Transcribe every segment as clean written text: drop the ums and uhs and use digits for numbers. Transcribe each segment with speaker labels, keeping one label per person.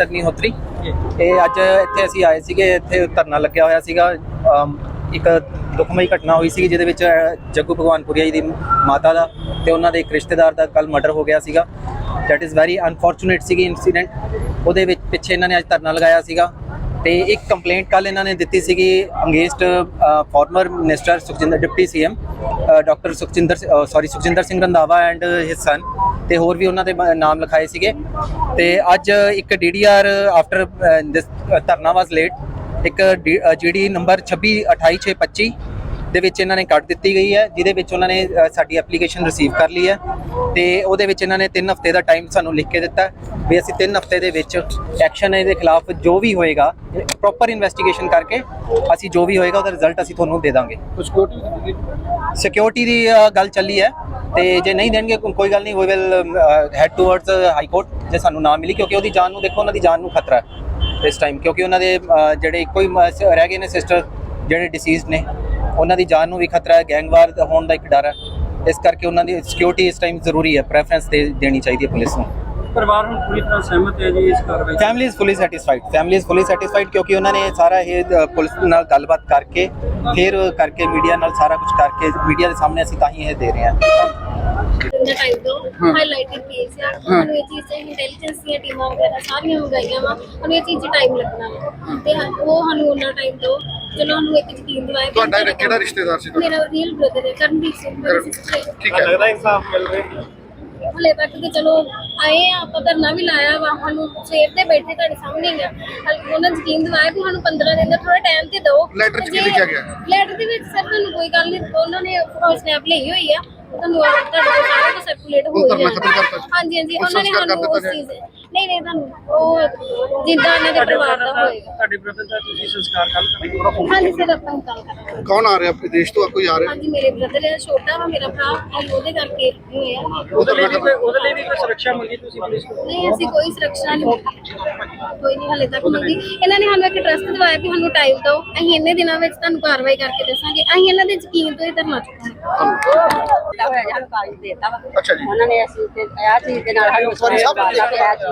Speaker 1: ਅਗਨੀਹੋਤਰੀ। ਇਹ ਅੱਜ ਇੱਥੇ ਅਸੀਂ ਆਏ ਸੀਗੇ, ਇੱਥੇ ਧਰਨਾ ਲੱਗਿਆ ਹੋਇਆ ਸੀਗਾ। ਇੱਕ ਦੁਖਮਈ ਘਟਨਾ ਹੋਈ ਸੀ ਜਿਹਦੇ ਵਿੱਚ ਜੱਗੂ ਭਗਵਾਨਪੁਰੀਆ ਜੀ ਦੀ ਮਾਤਾ ਦਾ ਤੇ ਉਹਨਾਂ ਦੇ ਇੱਕ ਰਿਸ਼ਤੇਦਾਰ ਦਾ ਕੱਲ ਮਰਡਰ ਹੋ ਗਿਆ ਸੀਗਾ। ਦੈਟ ਇਜ਼ ਵੈਰੀ ਅਨਫੋਰਚੂਨੇਟ ਸੀਗੀ ਇਨਸੀਡੈਂਟ। ਉਹਦੇ ਵਿੱਚ ਪਿੱਛੇ ਇਹਨਾਂ ਨੇ ਅੱਜ ਧਰਨਾ ਲਗਾਇਆ ਸੀਗਾ ਤੇ ਇੱਕ ਕੰਪਲੇਂਟ ਕੱਲ ਇਹਨਾਂ ਨੇ ਦਿੱਤੀ ਸੀਗੀ against former minister deputy CM doctor Sukhjinder Singh Randhawa and his son, ਤੇ ਹੋਰ ਵੀ ਉਹਨਾਂ ਦੇ ਨਾਮ ਲਿਖਾਏ ਸੀਗੇ। ਤੇ ਅੱਜ ਇੱਕ ਡੀਡੀਆਰ ਆਫਟਰ ਦਿਸ ਧਰਨਾ ਵਾਸ ਲੇਟ ਇੱਕ ਜਿਹੜੀ ਨੰਬਰ 2828625 ਦੇ ਵਿੱਚ ਇਹਨਾਂ ਨੇ ਕੱਟ ਦਿੱਤੀ ਗਈ ਹੈ, ਜਿਹਦੇ ਵਿੱਚ ਉਹਨਾਂ ਨੇ ਸਾਡੀ ਐਪਲੀਕੇਸ਼ਨ ਰਿਸੀਵ ਕਰ ਲਈ ਹੈ ਤੇ ਉਹਦੇ ਵਿੱਚ ਇਹਨਾਂ ਨੇ 3 ਹਫ਼ਤੇ ਦਾ ਟਾਈਮ ਸਾਨੂੰ ਲਿਖ ਕੇ ਦਿੱਤਾ ਵੀ ਅਸੀਂ 3 ਹਫ਼ਤੇ ਦੇ ਵਿੱਚ ਐਕਸ਼ਨ ਇਹਦੇ ਖਿਲਾਫ ਜੋ ਵੀ ਹੋਏਗਾ ਪ੍ਰੋਪਰ ਇਨਵੈਸਟੀਗੇਸ਼ਨ ਕਰਕੇ ਅਸੀਂ ਜੋ ਵੀ ਹੋਏਗਾ ਉਹਦਾ ਰਿਜ਼ਲਟ ਅਸੀਂ ਤੁਹਾਨੂੰ ਦੇ ਦਾਂਗੇ। ਸਿਕਿਉਰਿਟੀ ਦੀ ਗੱਲ ਚੱਲੀ ਹੈ ਤੇ ਜੇ ਨਹੀਂ ਦੇਣਗੇ ਕੋਈ ਗੱਲ ਨਹੀਂ, we will head towards high court ਜੇ ਸਾਨੂੰ ਨਾ ਮਿਲੀ, ਕਿਉਂਕਿ ਉਹਦੀ ਜਾਨ ਨੂੰ ਦੇਖੋ, ਉਹਨਾਂ ਦੀ ਜਾਨ ਨੂੰ ਖਤਰਾ ਹੈ ਇਸ ਟਾਈਮ, ਕਿਉਂਕਿ ਉਹਨਾਂ ਦੇ ਜਿਹੜੇ ਇੱਕੋ ਹੀ ਰਹਿ ਗਏ ਨੇ ਸਿਸਟਰ ਜਿਹੜੇ ਡਿਸੀਜ਼ਡ ਨੇ, ਉਹਨਾਂ ਦੀ ਜਾਨ ਨੂੰ ਵੀ ਖਤਰਾ ਹੈ, ਗੈਂਗਵਾਰ ਹੋਣ ਦਾ ਇੱਕ ਡਰ ਹੈ। ਇਸ ਕਰਕੇ ਉਹਨਾਂ ਦੀ ਸਿਕਿਉਰਿਟੀ ਇਸ ਟਾਈਮ ਜ਼ਰੂਰੀ ਹੈ, ਪ੍ਰੈਫਰੈਂਸ ਦੇਣੀ ਚਾਹੀਦੀ ਹੈ ਪੁਲਿਸ ਨੂੰ।
Speaker 2: ਪਰਿਵਾਰ ਹੁਣ ਪੂਰੀ ਤਰ੍ਹਾਂ ਸਹਿਮਤ ਹੈ ਜੀ ਇਸ ਕਾਰਵਾਈ?
Speaker 1: ਫੈਮਿਲੀ ਇਜ਼ ਫੁੱਲੀ ਸੈਟੀਸਫਾਈਡ ਕਿਉਂਕਿ ਉਹਨਾਂ ਨੇ ਸਾਰਾ ਇਹ ਪੁਲਿਸ ਨਾਲ ਗੱਲਬਾਤ ਕਰਕੇ ਫਿਰ ਕਰਕੇ ਮੀਡੀਆ ਨਾਲ ਸਾਰਾ ਕੁਝ ਕਰਕੇ ਮੀਡੀਆ ਦੇ ਸਾਹਮਣੇ ਅਸੀਂ ਤਾਂ ਹੀ ਇਹ ਦੇ ਰਹੇ ਹਾਂ।
Speaker 3: ਟਾਈਮ ਤੋਂ ਹਾਈਲਾਈਟਡ ਕੇਸ ਆ, ਸਾਨੂੰ ਇਹ ਚੀਜ਼ ਇੰਟੈਲੀਜੈਂਸ ਦੀਆਂ ਟੀਮਾਂ ਵਗੈਰਾ ਸਾਰੀਆਂ ਮੰਗਾਈਆਂ ਵਾ, ਸਾਨੂੰ ਇਹ ਚੀਜ਼ ਟਾਈਮ ਲੱਗਣਾ ਵਾ ਤੇ ਉਹ ਸਾਨੂੰ ਉਹਨਾਂ ਟਾਈਮ ਤੋਂ ਚਲੋ ਸਾਨੂੰ ਇੱਕ ਯਕੀਨ ਦਿਵਾਇਆ।
Speaker 4: ਤੁਹਾਡਾ ਕਿਹੜਾ ਰਿਸ਼ਤੇਦਾਰ ਸੀ?
Speaker 3: ਮੇਰਾ ਰੀਅਲ ਬ੍ਰਦਰ ਹੈ ਕਰਨਦੀਪ ਸਿੰਘ।
Speaker 4: ਠੀਕ ਹੈ,
Speaker 2: ਲੱਗਦਾ ਇਨਸਾਫ ਮਿਲ ਰਿਹਾ?
Speaker 3: ਹਲੇ ਤੱਕ ਤੇ ਚਲੋ ਆਏ ਆ, ਆਪਾਂ ਧਰਨਾ ਵੀ ਲਾਇਆ ਵਾ, ਸਾਨੂੰ ਸਵੇਰ ਦੇ ਬੈਠੇ ਤੁਹਾਡੇ ਸਾਹਮਣੇ ਹੀ ਆ, ਉਹਨਾਂ ਯਕੀਨ ਦਿਵਾਇਆ ਵੀ ਸਾਨੂੰ 15 ਦਿਨ ਦਾ ਥੋੜਾ ਟਾਈਮ ਤੇ ਦਿਓ।
Speaker 4: ਲੈਟਰ 'ਚ ਕੀ ਲਿਖਿਆ ਗਿਆ?
Speaker 3: ਲੈਟਰ ਦੇ ਵਿੱਚ ਸਰ ਤੁਹਾਨੂੰ ਕੋਈ ਗੱਲ ਨਹੀਂ, ਉਹਨਾਂ ਨੇ ਸਨੈਪ ਲਈ ਹੋਈ ਆ, ਤੁਹਾਨੂੰ ਤੁਹਾਡੇ ਕੋਲ ਸਾਰਾ ਕੁਝ ਸਰਕੂਲੇਟ ਹੋ
Speaker 4: ਧਰਨਾ
Speaker 3: ਗਿਆ।
Speaker 4: ਖਤਮ ਕਰਤਾ?
Speaker 3: ਹਾਂਜੀ ਉਹਨਾਂ ਨੇ ਸਾਨੂੰ ਉਸ ਚੀਜ਼ ਨਹੀਂ ਤੁਹਾਨੂੰ ਉਹ ਜਿੱਦਾਂ ਇਹਨਾਂ ਦੇ ਪਰਿਵਾਰ ਦਾ ਹੋਏਗਾ।
Speaker 2: ਤੁਹਾਡੇ ਬ੍ਰਦਰ ਦਾ ਤੁਸੀਂ ਸੰਸਕਾਰ ਕੱਲ ਕਰਾਂਗੇ?
Speaker 3: ਹਾਂਜੀ ਸਰ ਆਪਾਂ ਗੱਲ ਕਰਾਂਗੇ।
Speaker 4: ਕੌਣ ਆ ਰਿਹਾ ਵਿਦੇਸ਼ ਤੋਂ? ਕੋਈ ਆ ਰਿਹਾ?
Speaker 3: ਹਾਂਜੀ ਮੇਰੇ ਬ੍ਰਦਰ ਹੈ, ਛੋਟਾ ਵਾ ਮੇਰਾ ਭਰਾ, ਉਹਦੇ ਕਰਕੇ ਹੋਇਆ।
Speaker 2: ਉਹਦੇ ਲਈ ਵੀ ਕੋਈ ਸੁਰੱਖਿਆ ਮੰਗੀ ਤੁਸੀਂ ਪੁਲਿਸ ਕੋਲ?
Speaker 3: ਨਹੀਂ ਅਸੀਂ ਕੋਈ ਸੁਰੱਖਿਆ ਨਹੀਂ ਮੰਗੀ, ਕੋਈ ਨਹੀਂ ਹਲੇ ਤੱਕ ਮੰਗੀ। ਇਹਨਾਂ ਨੇ ਸਾਨੂੰ ਇੱਕ ਟਰਸਟ ਦਿਵਾਇਆ ਵੀ ਸਾਨੂੰ ਟਾਈਮ ਦਿਓ, ਅਸੀਂ ਇੰਨੇ ਦਿਨਾਂ ਵਿੱਚ ਤੁਹਾਨੂੰ ਕਾਰਵਾਈ ਕਰਕੇ ਦੱਸਾਂਗੇ। ਅਸੀਂ ਇਹਨਾਂ ਦੇ ਯਕੀਨ ਤੋਂ ਹੀ ਧਰਨਾ ਚੁੱਕਾਂਗੇ।
Speaker 5: ਹੋਇਆ ਜੀ, ਸਾਨੂੰ ਕਾਗਜ਼ ਦੇ ਦਿੱਤਾ ਵਾ।
Speaker 4: ਅੱਛਾ ਜੀ।
Speaker 5: ਉਹਨਾਂ ਨੇ ਅਸੀਂ ਤੇ ਆ ਚੀਜ਼ ਦੇ ਨਾਲ ਸਾਨੂੰ
Speaker 4: ਸਵਾਰੀ ਸਾਹਿਬ
Speaker 5: ਜਾਓ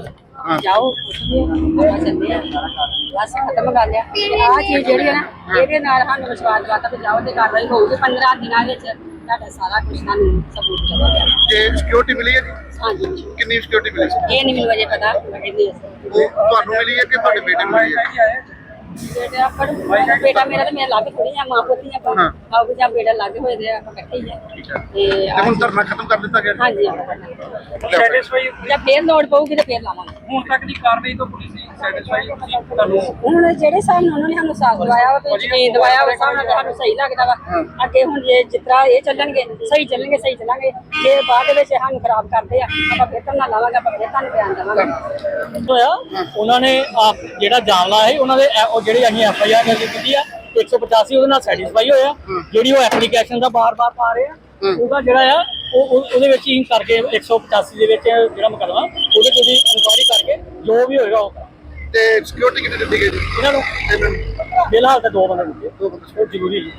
Speaker 5: ਆਪਾਂ ਚੱਲਦੇ ਆ, ਬਸ ਖਤਮ ਕਰ ਲਿਆ। ਆ ਚੀਜ਼ ਜਿਹੜੀ ਹੈ ਨਾ, ਇਹਦੇ ਨਾਲ ਸਾਨੂੰ ਵਿਸ਼ਵਾਸ ਦਿਵਾਤਾ ਵੀ ਜਾਓ ਤੇ ਕਾਰਵਾਈ ਹੋਊਗੀ 15 ਦਿਨਾਂ ਵਿੱਚ ਤੁਹਾਡਾ ਸਾਰਾ ਕੁਝ ਸਾਨੂੰ ਸਬੂਤ ਕਰਵਾਇਆ।
Speaker 4: ਤੇ ਸਿਕਿਉਰਿਟੀ ਮਿਲੀ ਹੈ ਜੀ?
Speaker 5: ਹਾਂਜੀ
Speaker 4: ਕਿੰਨੀ ਸਿਕਿਉਰਿਟੀ ਮਿਲੀ ਸੀ?
Speaker 5: ਇਹ ਨਹੀਂ ਮੈਨੂੰ ਵਜੇ ਪਤਾ ਕਿੰਨੀ
Speaker 4: ਉਹ ਤੁਹਾਨੂੰ ਮਿਲੀ ਹੈ ਕਿ ਤੁਹਾਡੇ ਬੇਟੇ ਨੂੰ ਮਿਲੀ ਹੈ?
Speaker 5: ਬੇਟਾ ਆਪਾਂ ਬੇਟਾ ਮੇਰਾ ਤੇ ਮੇਰਾ ਲੱਗ ਥੋੜੀ ਆ, ਮਾਂ ਪੁੱਤੀ ਆਪਾਂ ਆਪ ਜਾਂ ਬੇਟਾ ਲੱਗ ਹੋਏ ਦੇ ਆਪਾਂ ਇਕੱਠੇ ਹੀ ਆ।
Speaker 4: ਤੇ ਹੁਣ ਧਰਨਾ ਖਤਮ ਕਰ ਦਿੱਤਾ ਗਿਆ?
Speaker 5: ਹਾਂਜੀ
Speaker 2: ਸੈਟੀਸਫਾਈ
Speaker 5: ਜਾਂ ਫੇਰ ਲੋੜ ਪਊਗੀ ਤੇ ਫੇਰ ਲਾਵਾਂਗੇ।
Speaker 2: ਹੁਣ ਤੱਕ ਦੀ ਕਾਰਵਾਈ ਤੋਂ ਪੁਲਿਸ ਸੈਟੀਸਫਾਈ ਤੁਹਾਨੂੰ?
Speaker 5: ਹੁਣ ਜਿਹੜੇ ਹਿਸਾਬ ਨਾਲ ਉਹਨਾਂ ਨੇ ਸਾਨੂੰ ਸਾਥ ਦਵਾਇਆ ਵਾ, ਤੇ ਯਕੀਨ ਦਵਾਇਆ ਉਸ ਹਿਸਾਬ ਨਾਲ ਸਾਨੂੰ ਸਹੀ ਲੱਗਦਾ ਵਾ। ਅੱਗੇ ਹੁਣ ਜੇ ਜਿਸ ਤਰ੍ਹਾਂ ਇਹ ਚੱਲਣਗੇ ਸਹੀ ਚੱਲਾਂਗੇ। ਜੇ ਬਾਅਦ ਦੇ ਵਿੱਚ ਸਾਨੂੰ ਖਰਾਬ ਕਰਦੇ ਆ ਆਪਾਂ ਫੇਰ ਧਰਨਾ ਲਾਵਾਂਗੇ, ਆਪਾਂ ਫੇਰ ਤੁਹਾਨੂੰ ਬਿਆਨ ਦੇਵਾਂਗੇ।
Speaker 6: ਹੋਇਆ ਉਹਨਾਂ ਨੇ ਜਿਹੜਾ ਜਾਮਲਾ ਹੈ ਉਹਨਾਂ ਦੇ ਜਿਹੜੀ ਅਸੀਂ FIR ਕੀਤੀ ਆ 185 ਉਹਦੇ ਨਾਲ ਸੈਟੀਸਫਾਈ ਹੋਇਆ। ਜਿਹੜੀ ਉਹ ਐਪਲੀਕੇਸ਼ਨ ਦਾ ਬਾਰ-ਬਾਰ ਪਾ ਰਹੇ ਆ ਉਹਦਾ ਜਿਹੜਾ ਆ ਉਹਦੇ ਵਿੱਚ ਹੀ ਕਰਕੇ 185 ਦੇ ਵਿੱਚ ਜਿਹੜਾ ਮੁਕੱਦਮਾ ਉਹਦੇ ਤੇ ਇਨਕੁਆਇਰੀ ਕਰਕੇ ਜੋ ਵੀ ਹੋਏਗਾ ਉਹ
Speaker 4: ਤੇ ਸਿਕਿਉਰਿਟੀ ਕਿੰਨੀ ਦਿੱਤੀ ਗਈ ਜੀ
Speaker 6: ਇਹਨਾਂ ਨੂੰ?
Speaker 4: ਇਹਨਾਂ ਨੂੰ
Speaker 6: ਫਿਲਹਾਲ ਤਾਂ 2 ਬੰਦੇ ਦਿੱਤੇ, ਉਹ ਜ਼ਰੂਰੀ